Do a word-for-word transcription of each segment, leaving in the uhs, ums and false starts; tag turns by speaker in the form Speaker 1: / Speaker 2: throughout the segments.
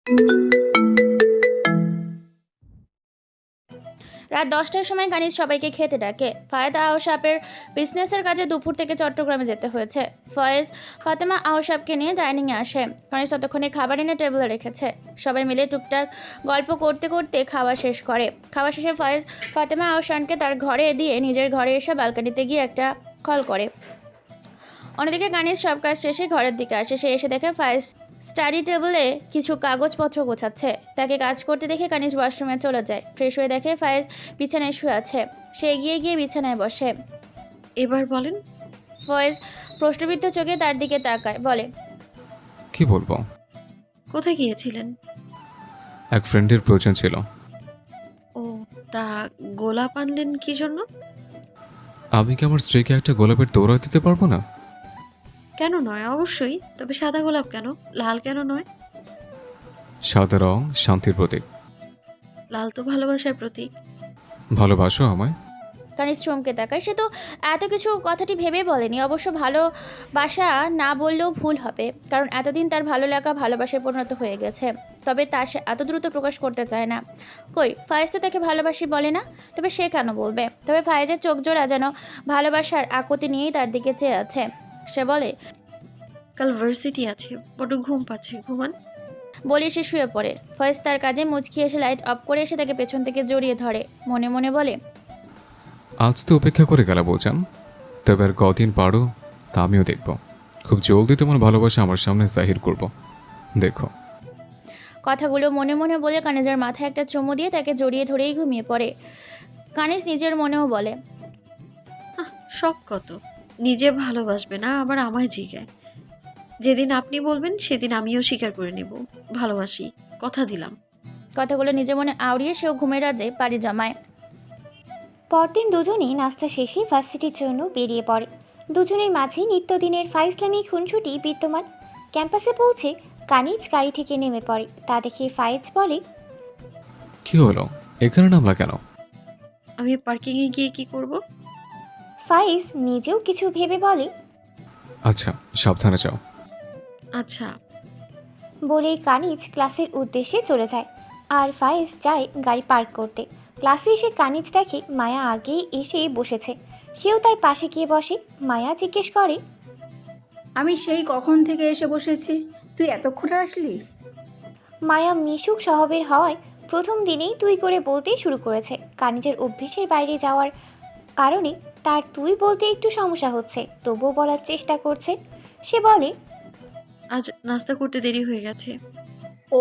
Speaker 1: রাত দশটার সময় কানিজ সবাইকে খেতে ডাকে। ফায়েদ আহসাবের বিজনেসের কাজে দুপুর থেকে চট্টগ্রামে যেতে হয়েছে। ফয়েজ ফাতেমা আহসাবকে নিয়ে ডাইনিংয়ে আসে। কানিজ ততক্ষণে খাবার এনে টেবিলে রেখেছে। সবাই মিলে টুকটাক গল্প করতে করতে খাওয়া শেষ করে। খাওয়া শেষে ফয়েজ ফাতেমা আহসানকে তার ঘরে দিয়ে নিজের ঘরে এসে ব্যালকনিতে গিয়ে একটা কল করে। অন্যদিকে কানিজ সব কাজ শেষে ঘরের দিকে আসে। সে এসে দেখে ফায়েজ স্টাডি টেবিলে কিছু কাগজপত্র গোছাচ্ছে। তাকে কাজ করতে দেখে কানিজ ওয়াশরুমে চলে যায়। ফ্রেশ হয়ে দেখে ফায়েজ বিছানায় শুয়ে আছে। সে এগিয়ে গিয়ে বিছানায় বসে।
Speaker 2: এবার বলেন।
Speaker 1: ফয়েজ প্রশ্নবিদ্ধ চোখে তার দিকে তাকায়, বলে,
Speaker 3: কি বলবো?
Speaker 2: কোথায় গিয়েছিলেন?
Speaker 3: এক ফ্রেন্ডের প্রয়োজন ছিল।
Speaker 2: ও, তা গোলাপ আনলেন কি জন্য?
Speaker 3: আমি কি আমার স্ত্রীকে একটা গোলাপের তোড়া দিতে পারবো না?
Speaker 2: কেন নয়, অবশ্যই। তবে সাদা গোলাপ কেন, লাল কেন নয়?
Speaker 3: সাদা রং শান্তির প্রতীক।
Speaker 2: লাল তো ভালোবাসার প্রতীক।
Speaker 3: ভালোবাসো আমায়?
Speaker 1: কানিজ চমকে তাকায়। সে তো এত কিছু কথাটি ভেবে বলেনি। অবশ্য ভালোবাসা না বললেও ভুল হবে, কারণ এতদিন তার ভালো লাগা ভালোবাসায় পরিণত হয়ে গেছে। তবে তা সে এত দ্রুত প্রকাশ করতে চায় না। কই, ফায়েজ তো তাকে ভালোবাসি বলে না, তবে সে কেন বলবে? তবে ফায়েজের চোখ জোড়া যেন ভালোবাসার আকুতি নিয়েই তার দিকে চেয়ে আছে। সে বলে,
Speaker 2: কাল ভার্সিটি আছে, বড্ড ঘুম পাচ্ছে, ঘুমান।
Speaker 1: বলে সে শুয়ে পড়ে। ফয়েজ তার কাজে মুচকি এসে লাইট অফ করে এসে তাকে পেছন থেকে জড়িয়ে ধরে। মনে মনে বলে,
Speaker 3: আজ তো উপেক্ষা করে গেল বোঝান, তবে আর কদিন পারো তা আমিও দেখব। খুব জলদি তোমার ভালোবাসা আমার সামনে জাহির করব, দেখো।
Speaker 1: কথাগুলো মনে মনে বলে কানিজের মাথায় একটা চুমু দিয়ে তাকে জড়িয়ে ধরেই ঘুমিয়ে পড়ে। কানিজ নিজের মনেও বলে,
Speaker 2: আহ, শখ কত! নিজে ভালোবাসবে না, আবার আমায় জিগায়। যেদিন আপনি বলবেন সেদিন আমিও স্বীকার করে নেব, ভালোবাসি, কথা দিলাম।
Speaker 1: কথাগুলো নিজে মনে আওড়িয়ে সেও ঘুমের রাজে পাড়ি জমায়।
Speaker 4: পরদিন দুজনেই নাস্তা শেষে ভার্সিটির জন্য বেরিয়ে পড়ে। দুজনের মাঝে নিত্যদিনের ফাইজলামি খুনসুটি বিদ্যমান। ক্যাম্পাসে পৌঁছে কানিজ গাড়ি থেকে নেমে পড়ে। তা দেখে ফায়েজ বলে,
Speaker 3: কি হলো, এখানে নামলা কেন?
Speaker 2: আমি পার্কিংয়ে গিয়ে কি করব?
Speaker 4: ফায়েজ নিজেও কিছু ভেবে বলে,
Speaker 3: আচ্ছা, সাবধানে যাও।
Speaker 2: আচ্ছা।
Speaker 4: বলে কানিজ ক্লাসের উদ্দেশ্যে চলে যায়। আর ফায়েজ যায় গাড়ি পার্ক করতে। ক্লাসে এসে কানিজ দেখে মায়া আগেই এসে বসেছে। সেও তার পাশে গিয়ে বসে। মায়া জিজ্ঞেস করে,
Speaker 5: আমি সেই কখন থেকে এসে বসেছি, তুই এতক্ষণে আসলি?
Speaker 4: মায়া মিশুক স্বভাবের হওয়ায় প্রথম দিনেই তুই করে বলতেই শুরু করেছে। কানিজের অভ্যেসের বাইরে যাওয়ার কারণে তার তুই বলতে একটু সমস্যা হচ্ছে, তবুও বলার চেষ্টা করছে। সে বলে,
Speaker 2: আজ নাস্তা করতে দেরি হয়ে গেছে।
Speaker 5: ও,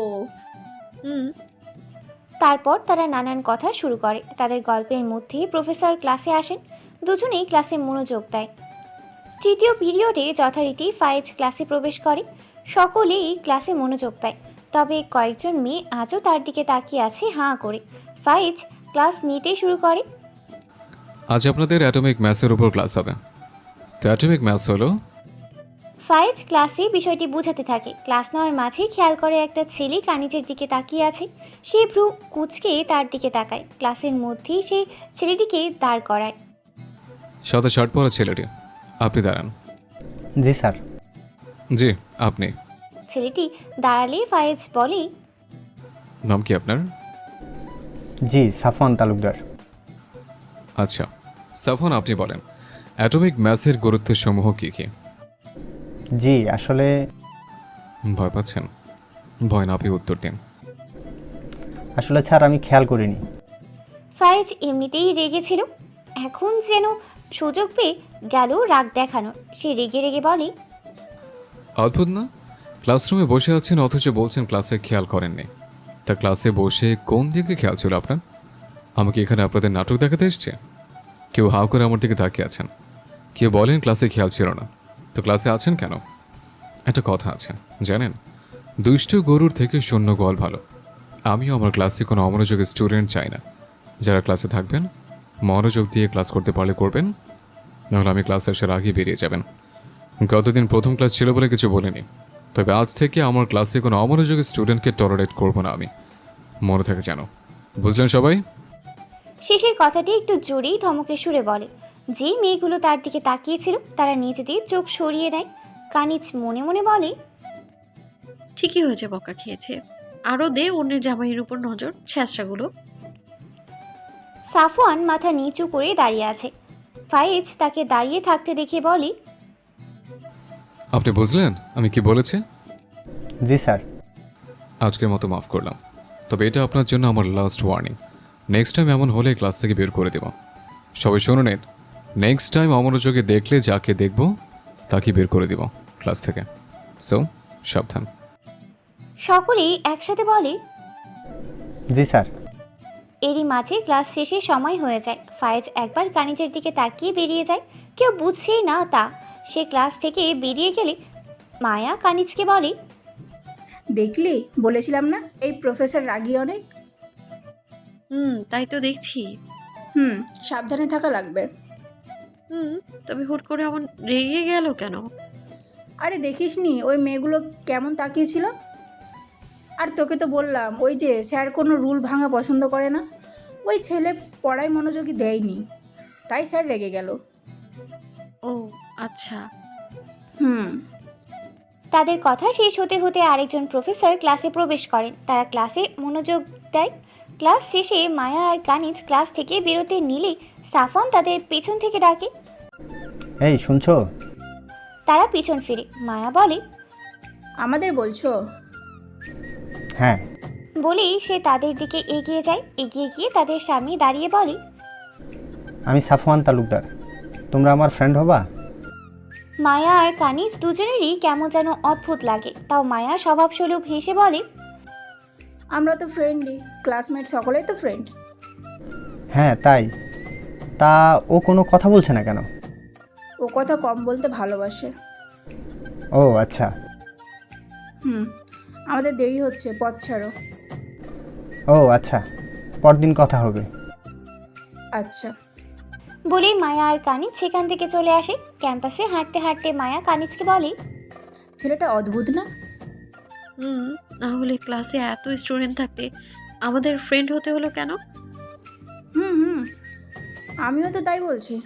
Speaker 2: হুম।
Speaker 4: তারপর তারা নানান কথা শুরু করে। তাদের গল্পের মধ্যেই প্রফেসর ক্লাসে আসেন। দুজনেই ক্লাসে মনোযোগ দেয়। তৃতীয় পিরিয়ডে যথারীতি ফায়েজ ক্লাসে প্রবেশ করে। সকলেই ক্লাসে মনোযোগ দেয়, তবে কয়েকজন মেয়ে আজও তার দিকে তাকিয়ে আছে হাঁ করে। ফায়েজ ক্লাস নিতে শুরু করে।
Speaker 3: আজ আপনাদের অ্যাটমিক ম্যাথসের উপর ক্লাস হবে। তো অ্যাটমিক ম্যাথস হলো,
Speaker 4: ফায়েজ ক্লাসে বিষয়টি বোঝাতে থাকে। ক্লাস নেওয়ার মাঝে খেয়াল করে একটা ছেলে কানিজের দিকে তাকিয়ে আছে। সে ভ্রু কুচকে তার দিকে তাকায়। ক্লাসের মধ্যেই সে ছেলেটিকে দাঁড় করায়।
Speaker 3: সাদা শার্ট পরা ছেলেটি, আপনি দাঁড়ান।
Speaker 6: জি স্যার।
Speaker 3: জি, আপনি।
Speaker 4: ছেলেটি দাঁড়ালে ফায়েজ বলে,
Speaker 3: নাম কি আপনার?
Speaker 6: জি, সাফওয়ান তালুকদার।
Speaker 3: আচ্ছা সাফন, আপনি বলেন অ্যাটমিক ম্যাথসের গুরুত্ব সমূহ কী কী?
Speaker 6: জি, আসলে
Speaker 3: ভয় পাচ্ছেন? ভয় না পেয়ে উত্তর দিন।
Speaker 6: আসলে স্যার আমি খেয়াল করিনি।
Speaker 4: ফায়েজ এমনিতেই রেগেছিল, এখন যেন সুযোগ পেয়ে গেল রাগ দেখানোর। সে রেগে রেগে বলে,
Speaker 3: অদ্ভুত না, ক্লাসরুমে বসে আছেন অথচ বলছেন ক্লাসে খেয়াল করেননি। তা ক্লাসে বসে কোন দিকে খেয়াল ছিল আপনার? আমাকে এখানে আপনাদের নাটক দেখাতে এসছে? কেউ হাও করে আমার দিকে তাকিয়ে আছেন, কেউ বলেন ক্লাসে খেয়াল ছিল না। তো ক্লাসে আছেন কেন? একটা কথা আছে জানেন, দুষ্টু গরুর থেকে শূন্য গোয়াল ভালো। আমিও আমার ক্লাসে কোনো অমনোযোগী স্টুডেন্ট চাই না। যারা ক্লাসে থাকবেন মনোযোগ দিয়ে ক্লাস করতে পারলে করবেন, নাহলে আমি ক্লাসে আসার আগে বেরিয়ে যাবেন। গতদিন প্রথম ক্লাস ছিল বলে কিছু বলিনি, তবে আজ থেকে আমার ক্লাসে কোনো অমনোযোগী স্টুডেন্টকে টলারেট করবো না আমি, মনে থাকে জানো, বুঝলেন সবাই?
Speaker 4: শেষের কথাটি একটু জোরেই ধমকে সুরে বলে। যে মেয়েগুলো তার দিকে তাকিয়েছিল তারা নিজেদের চোখ সরিয়ে নেয়। কানিজ মনে মনে বলে,
Speaker 2: ঠিকই হয়েছে বকা খেয়েছে। আরও দে অন্যের জামাইয়ের উপর নজর, ছ্যাঁচড়াগুলো।
Speaker 4: সাফওয়ান মাথা নিচু করে দাঁড়িয়ে আছে। ফায়েজ তাকে দাঁড়িয়ে থাকতে দেখে বলে,
Speaker 3: আপনি বুঝলেন আমি কি বলেছি?
Speaker 6: জি স্যার।
Speaker 3: আজকের মতো মাফ করলাম, তবে এটা আপনার জন্য আমার লাস্ট ওয়ার্নিং। নেক্সট টাইম এমন হলে ক্লাস থেকে বের করে দেব। সবাই শুনুন, নেক্সট টাইম অমনোযোগে দেখলে যাকে দেখব তাকে বের করে দেব ক্লাস থেকে। সো সাবধান।
Speaker 4: সকলেই একসাথে বলে,
Speaker 6: জি স্যার।
Speaker 4: এরই মাঝে ক্লাস শেষে সময় হয়ে যায়। ফায়েজ একবার কানিজের দিকে তাকিয়ে বেরিয়ে যায়। কেউ বুঝছেই না তা। সে ক্লাস থেকে বেরিয়ে গেলে মায়া কানিজকে বলে,
Speaker 5: দেখলি, বলেছিলাম না এই প্রফেসর রাগী অনেক।
Speaker 2: হুম, তাই তো দেখছি।
Speaker 5: হুম, সাবধানে থাকা লাগবে।
Speaker 2: হুম, তবে হুট করে এমন রেগে গেল কেন?
Speaker 5: আরে দেখিসনি ওই মেয়েগুলো কেমন তাকিয়েছিল? আর তোকে তো বললাম ওই যে স্যার কোনো রুল ভাঙা পছন্দ করে না। ওই ছেলে পড়ায় মনোযোগী দেয়নি, তাই স্যার রেগে গেল।
Speaker 2: ও আচ্ছা।
Speaker 5: হুম।
Speaker 4: তাদের কথা শেষ হতে হতে আরেকজন প্রফেসর ক্লাসে প্রবেশ করেন। তারা ক্লাসে মনোযোগ দেয়। ক্লাস শেষে মায়া আর কানিজ ক্লাস থেকে বেরোতে নিলেই সাফওয়ান তাদের পেছন থেকে ডাকে।
Speaker 6: এই শুনছো?
Speaker 4: তারা পিছন ফিরে। মায়া বলে,
Speaker 5: আমাদের বলছো?
Speaker 6: হ্যাঁ।
Speaker 4: বলেই সে তাদের দিকে এগিয়ে যায়। এগিয়ে গিয়ে তাদের সামনে দাঁড়িয়ে বলে,
Speaker 6: আমি সাফওয়ান তালুকদার, তোমরা আমার ফ্রেন্ড হবা?
Speaker 4: মায়া আর কানিজ দুজনেরই কেমন যেন অদ্ভুত লাগে। তাও মায়া স্বভাবস্বরূপ হেসে বলে,
Speaker 5: আমরা তো ফ্রেন্ডই, ক্লাসমেট সকলেই তো ফ্রেন্ড।
Speaker 6: হ্যাঁ তাই। তা ও কোনো কথা বলছে না কেন?
Speaker 5: ও কথা কম বলতে ভালোবাসে।
Speaker 6: ও আচ্ছা।
Speaker 5: হুম, আমাদের দেরি হচ্ছে, পথ ছাড়ো।
Speaker 6: ও আচ্ছা, পরদিন কথা হবে।
Speaker 5: আচ্ছা।
Speaker 4: বলেই মায়া আর কানিজ সেখান থেকে চলে আসে। ক্যাম্পাসে হাঁটতে হাঁটতে মায়া কানিজকে বলে,
Speaker 5: ছেলেটা অদ্ভুত না?
Speaker 2: হুম, না হলে ক্লাসে এত স্টুডেন্ট থাকতে আমাদের ফ্রেন্ড হতে হলো কেন?
Speaker 5: হুম হুম, আমিও তো তাই বলছি।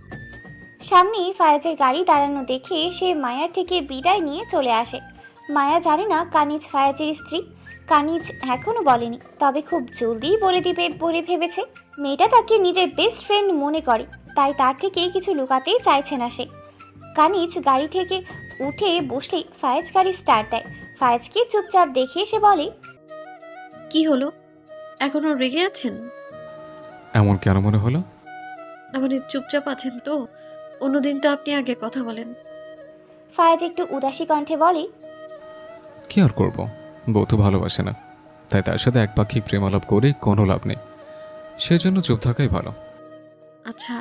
Speaker 4: সামনেই ফায়েজের গাড়ি দাঁড়ানো দেখে সে মায়ার থেকে বিদায় নিয়ে চলে আসে। মায়া জানে না কানিজ ফায়েজের স্ত্রী। কানিজ এখনও বলেনি, তবে খুব জলদিই বলে দিবে বলে ভেবেছে। মেয়েটা তাকে নিজের বেস্ট ফ্রেন্ড মনে করে, তাই তার থেকে কিছু লুকাতেই চাইছে না সে। কানিজ গাড়ি থেকে উঠে বসলেই ফায়েজ গাড়ি স্টার্ট দেয়। ফায়েজকে চুপচাপ দেখে সে বলে,
Speaker 2: কি হলো, এখনো রেগে আছেন?
Speaker 3: এমন কেন মনে হলো?
Speaker 2: না মানে চুপচাপ আছেন তো? অন্যদিন তো আপনি আগে কথা বলেন।
Speaker 4: ফায়েজ একটু উদাসী কণ্ঠে বলে,
Speaker 3: কি আর করবো, বউ তো ভালোবাসে না, তাই তার সাথে এক পাখি প্রেমালাপ করে কোনো লাভ নেই। সেজন্য চুপ থাকাই ভালো।
Speaker 2: আচ্ছা,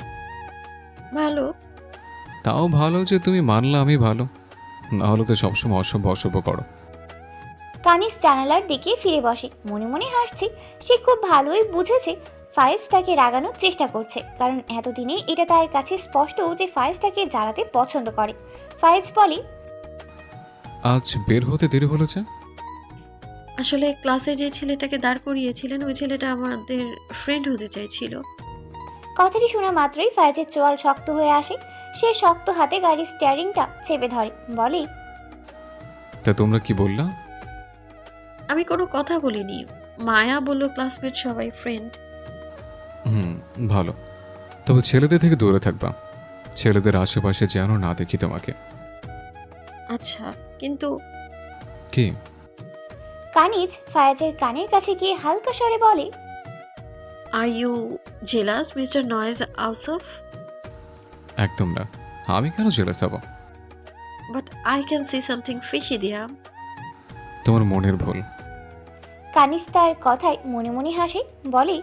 Speaker 2: ভালো।
Speaker 3: তাও ভালো যে তুমি মানলে আমি ভালো, না হলে তো সবসময় অসভ্য অসভ্য করো।
Speaker 4: কানিজ জানালার দিকে ফিরে বসে। মনে মনে হাসছে। সে খুব ভালোই বুঝেছে ফায়েজ তাকে রাগানোর চেষ্টা করছে, কারণ এতদিনে এটা তার কাছে স্পষ্ট যে ফায়েজ তাকে জ্বালাতে পছন্দ করে। ফায়েজ বলে,
Speaker 3: আজ বের হতে দেরি হলো যে?
Speaker 2: আসলে ক্লাসে যে ছেলেটাকে দাঁড় করিয়েছিলেন ওই ছেলেটা আমাদের ফ্রেন্ড হতে চাইছিল।
Speaker 4: কথাটি শোনা মাত্রই ফায়েজের চোয়াল শক্ত হয়ে আসে। সে শক্ত হাতে গাড়ির স্টিয়ারিংটা চেপে ধরে। বলে,
Speaker 3: তা তোমরা কি বললা?
Speaker 2: আমি কোনো কথা বলিনি। মায়া বলল ক্লাসমেট সবাই ফ্রেন্ড।
Speaker 3: হুম, ভালো। তবে ছেলেদের থেকে দূরে থাকবা, ছেলেদের আশেপাশে যেন না দেখি তোমাকে।
Speaker 2: আচ্ছা, কিন্তু
Speaker 3: কি?
Speaker 4: কানিজ ফায়েজের কানের কাছে গিয়ে হালকা স্বরে বলে,
Speaker 2: আর ইউ জেলাস মিস্টার নয়েজ আউসফ?
Speaker 3: একদম না, আমি কেন জেলাস হব?
Speaker 2: But I can see something fishy Diya.
Speaker 3: তোমার মনের ভুল।
Speaker 4: কানিজ তার কথায় মনে মনে হাসে। বলে,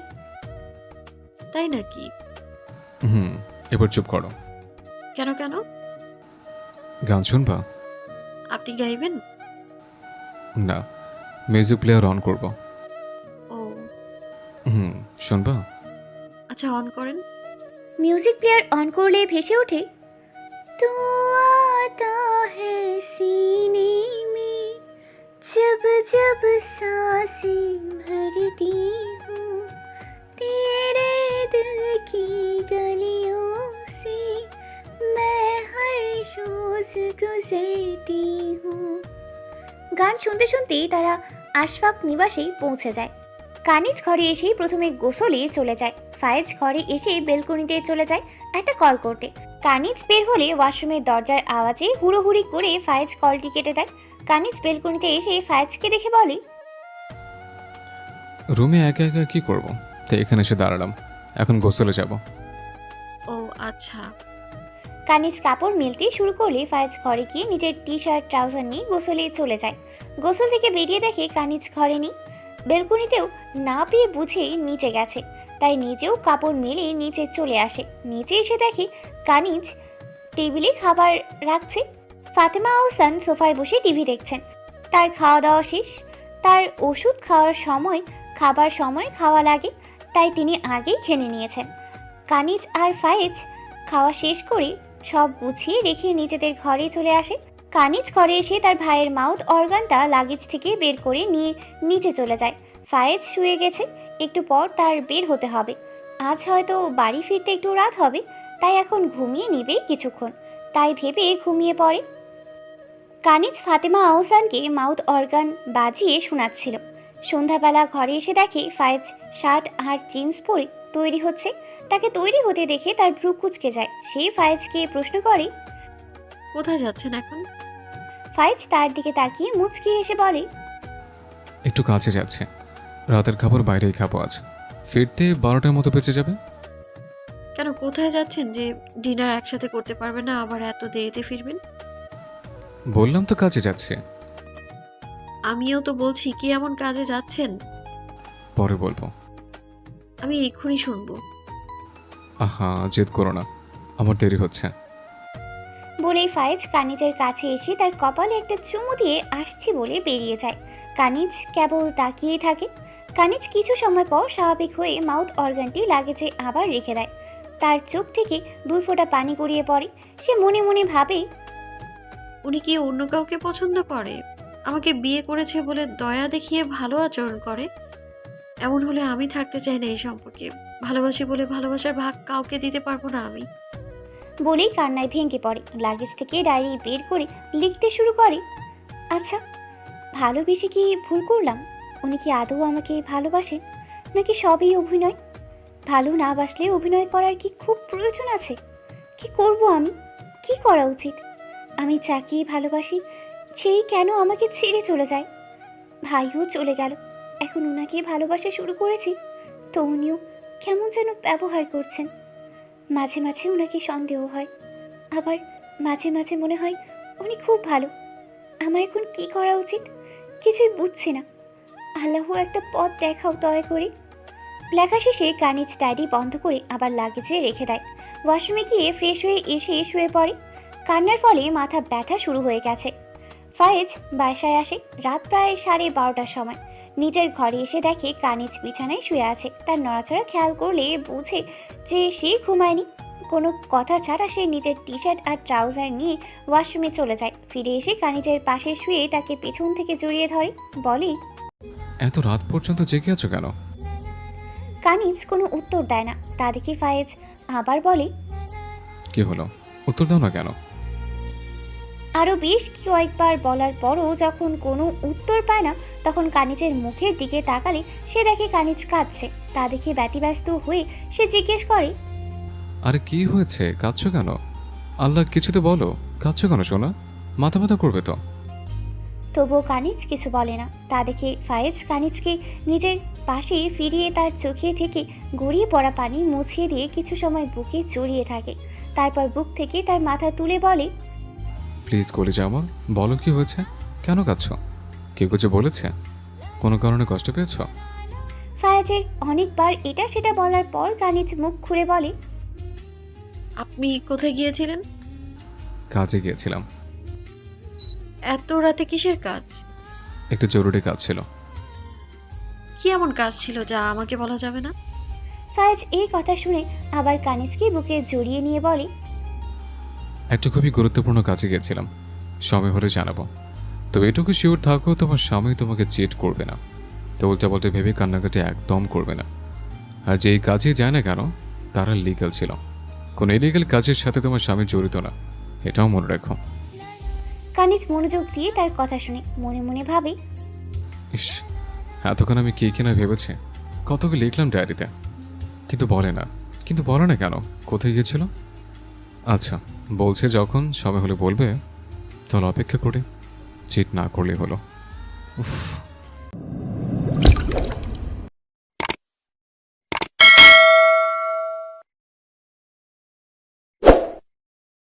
Speaker 2: তাই নাকি?
Speaker 3: হুম, এবার চুপ করো।
Speaker 2: কেন কেন?
Speaker 3: গান শুনবা?
Speaker 2: আপনি গাইবেন?
Speaker 3: না, মিউজিক প্লেয়ার অন করব।
Speaker 2: ও
Speaker 4: হুম
Speaker 3: শুনবা?
Speaker 2: আচ্ছা, অন করেন।
Speaker 4: মিউজিক প্লেয়ার অন করলে ভেসে ওঠে, तू आता है सीने में जब जब सांसें भरती हूँ तेरे दिल की गलियों से मैं हर रोज गुजरती हूँ। গান মুহূর্তেই তারা আশফাক নিবাসেই পৌঁছে যায়। কানিজ ঘরে এসেই প্রথমে গোসলে চলে যায়। ফায়েজ ঘরে এসে বেলকনিতে চলে যায় একটা কল করতে। কানিজ বের হলে ওয়াশরুমের দরজার আওয়াজে হুড়োহুড়ি করে ফায়েজ কলটি কেটে দেয়। কানিজ বেলকনিতে এসে ফায়েজকে দেখে বলে,
Speaker 3: রুমে একা একা কি করব, তাই এখানে এসে দাঁড়ালাম। এখন গোসলে যাব।
Speaker 2: ও আচ্ছা।
Speaker 4: কানিজ কাপড় মেলতে শুরু করলে ফায়েজ ঘরে গিয়ে নিজের টি শার্ট ট্রাউজার নিয়ে গোসলে চলে যায়। গোসল থেকে বেরিয়ে দেখে কানিজ ঘরে নেই। বেলকনিতেও না পেয়ে বুঝেই নিচে গেছে, তাই নিজেও কাপড় মেলে নিচে চলে আসে। নিচে এসে দেখে কানিজ টেবিলে খাবার রাখছে। ফাতেমা আহসান সোফায় বসে টিভি দেখছেন। তার খাওয়া দাওয়া শেষ। তার ওষুধ খাওয়ার সময় খাবার সময় খাওয়া লাগে, তাই তিনি আগেই খেয়ে নিয়েছেন। কানিজ আর ফায়েজ খাওয়া শেষ করে সব গুছিয়ে রেখে নিজেদের ঘরে চলে আসে। কানিজ ঘরে এসে তার ভাইয়ের মাউথ অর্গানটা লাগেজ থেকে বের করে নিয়ে নিচে চলে যায়। ফায়েজ শুয়ে গেছে, একটু পর তার বের হতে হবে। আজ হয়তো বাড়ি ফিরতে একটু রাত হবে, তাই এখন ঘুমিয়ে নেবে কিছুক্ষণ, তাই ভেবে ঘুমিয়ে পড়ে। কানিজ ফাতেমা আহসানকে মাউথ অর্গান বাজিয়ে শোনাচ্ছিল। সন্ধ্যাবেলা ঘরে এসে দেখে ফায়েজ শার্ট আর জিন্স পরে তৈরি হচ্ছে। তাকে তৈরি হতে দেখে তার ভ্রু কুঁচকে যায়। সে ফায়েজকে প্রশ্ন করে,
Speaker 2: কোথায় যাচ্ছেন এখন?
Speaker 4: ফায়েজ তার দিকে তাকিয়ে মুচকি এসে বলে,
Speaker 3: একটু কাছে যাচ্ছে, রাতের খাবার বাইরেই খাবো আজ। ফিরতে বারোটার মতো বেঁচে যাবে।
Speaker 2: কেন, কোথায় যাচ্ছেন যে ডিনার একসাথে করতে পারবেন না, আবার এত দেরিতে ফিরবেন?
Speaker 3: বললাম তো কাজে যাচ্ছে।
Speaker 2: আমিও তো বলছি, কি এমন কাজে যাচ্ছেন?
Speaker 3: পরে বলবো।
Speaker 2: আমি এক্ষুনি শুনবো।
Speaker 3: আহা, জেদ করো না, আমার দেরি হচ্ছে।
Speaker 4: বলেই ফায়েজ কানিজের কাছে এসে তার কপালে একটা চুমু দিয়ে আসছি বলে বেরিয়ে যায়। কানিজ কেবল তাকিয়েই থাকে। কানিজ কিছু সময় পর স্বাভাবিক হয়ে মাউথ অর্গানটি লাগেজে আবার রেখে দেয়। তার চোখ থেকে দুই ফোঁটা পানি গড়িয়ে পড়ে। সে মনে মনে ভাবে,
Speaker 2: উনি কি অন্য কাউকে পছন্দ করে? আমাকে বিয়ে করেছে বলে দয়া দেখিয়ে ভালো আচরণ করে? এমন হলে আমি থাকতে চাই না এই সম্পর্কে। ভালোবাসি বলে ভালোবাসার ভাগ কাউকে দিতে পারবো না আমি।
Speaker 4: বলেই কান্নায় ভেঙে পড়ে। লাগেজ থেকে ডায়েরি বের করে লিখতে শুরু করে, আচ্ছা, ভালোবেসে কি ভুল করলাম? উনি কি আদৌ আমাকে ভালোবাসেন, নাকি সবই অভিনয়? ভালো না বাসলে অভিনয় করার কি খুব প্রয়োজন আছে? কি করব আমি? কি করা উচিত? আমি যাকেই ভালোবাসি সেই কেন আমাকে ছেড়ে চলে যায়? ভাইও চলে গেল, এখন ওনাকে ভালোবাসা শুরু করেছি, তো উনিও কেমন যেন ব্যবহার করছেন। মাঝে মাঝে ওনাকে সন্দেহ হয়, আবার মাঝে মাঝে মনে হয় উনি খুব ভালো। আমার এখন কি করা উচিত কিছুই বুঝছি না। আল্লাহ একটা পথ দেখাও দয়া করে। লেখা শেষে কানিজ ডায়েরি বন্ধ করে আবার লাগেজে রেখে দেয়। ওয়াশরুমে গিয়ে ফ্রেশ হয়ে এসে শুয়ে পড়ে। কান্নার ফলে মাথা ব্যথা শুরু হয়ে গেছে। ফায়েজ বাসায় আসে রাত প্রায় সাড়ে বারোটার সময়। নিজের ঘরে এসে দেখে কানিজ বিছানায় শুয়ে আছে। তার নড়াচড়া খেয়াল করলে বুঝে যে সে ঘুমায়নি। কোনো কথা ছাড়া সে নিজের টি শার্ট আর ট্রাউজার নিয়ে ওয়াশরুমে চলে যায়। ফিরে এসে কানিজের পাশে শুয়ে তাকে পেছন থেকে জড়িয়ে ধরে, বলে,
Speaker 3: এত রাত পর্যন্ত জেগে আছো কেন?
Speaker 4: কানিজ কোনো উত্তর দেয় না। তা দেখে ফায়েজ আবার বলে,
Speaker 3: কি হলো, উত্তর দাও না কেন?
Speaker 4: আরও বেশ কয়েকবার বলার পরও যখন কোনো উত্তর পায় না, তখন কানিজের মুখের দিকে তাকালে সে দেখে কানিজ কাঁদছে। তা দেখে ব্যতিব্যস্ত হয়ে সে জিজ্ঞেস করে,
Speaker 3: আরে কি হয়েছে, কাঁদছো কেন? আল্লাহ কিছু তো বলো, কাঁদছো কেন সোনা? মাথা ব্যথা করবে তো।
Speaker 4: তবুও কানিজ কিছু বলে না। তা দেখে ফায়েজ কানিজকে নিজের পাশে ফিরিয়ে তার চোখে থেকে গড়িয়ে পড়া পানি মুছিয়ে দিয়ে কিছু সময় বুকে জড়িয়ে থাকে। তারপর বুক থেকে তার মাথা তুলে বলে,
Speaker 3: প্লিজ কলেজে আমার বলো কি হয়েছে, কেন কাঁদছো? কেউ কিছু বলেছে? কোনো কারণে কষ্ট পেয়েছো?
Speaker 4: ফায়েজের অনেকবার এটা সেটা বলার পর কানিজ মুখ খুলে বলে,
Speaker 2: আপনি কোথায় গিয়েছিলেন?
Speaker 3: কাজে গিয়েছিলাম।
Speaker 2: এত রাতে কিসের কাজ?
Speaker 3: একটু জরুরি কাজ ছিল।
Speaker 2: কি এমন কাজ ছিল যা আমাকে বলা যাবে না?
Speaker 4: ফায়েজ এই কথা শুনে আবার কানিজকে বুকে জড়িয়ে নিয়ে বলে,
Speaker 3: একটা খুবই গুরুত্বপূর্ণ কাজে গিয়েছিলাম, সময় হলে জানাবো। তো এটুকু শিওর থাকো, তোমার স্বামী তোমাকে চিট করবে না। তো উল্টা পাল্টা ভেবে কান্নাকাটি একদম করবে না। আর যেই কাজে যায় না কেন তারা লিগ্যাল ছিল, কোনো ইলিগাল কাজের সাথে তোমার স্বামী জড়িত না, এটাও মনে রাখো।
Speaker 4: কানিজ মনোযোগ দিয়ে তার কথা শুনে মনে মনে ভাবে,
Speaker 3: ইস, এতক্ষণ আমি কে কিনা ভেবেছি, কত কি লিখলাম ডায়েরিতে, কিন্তু বলে না। কিন্তু বলে না কেন? কোথায় গিয়েছিল? আচ্ছা, বলছে যখন সময় হলে বলবে, তাহলে অপেক্ষা করি, চিট না করলেই হলো। উফ।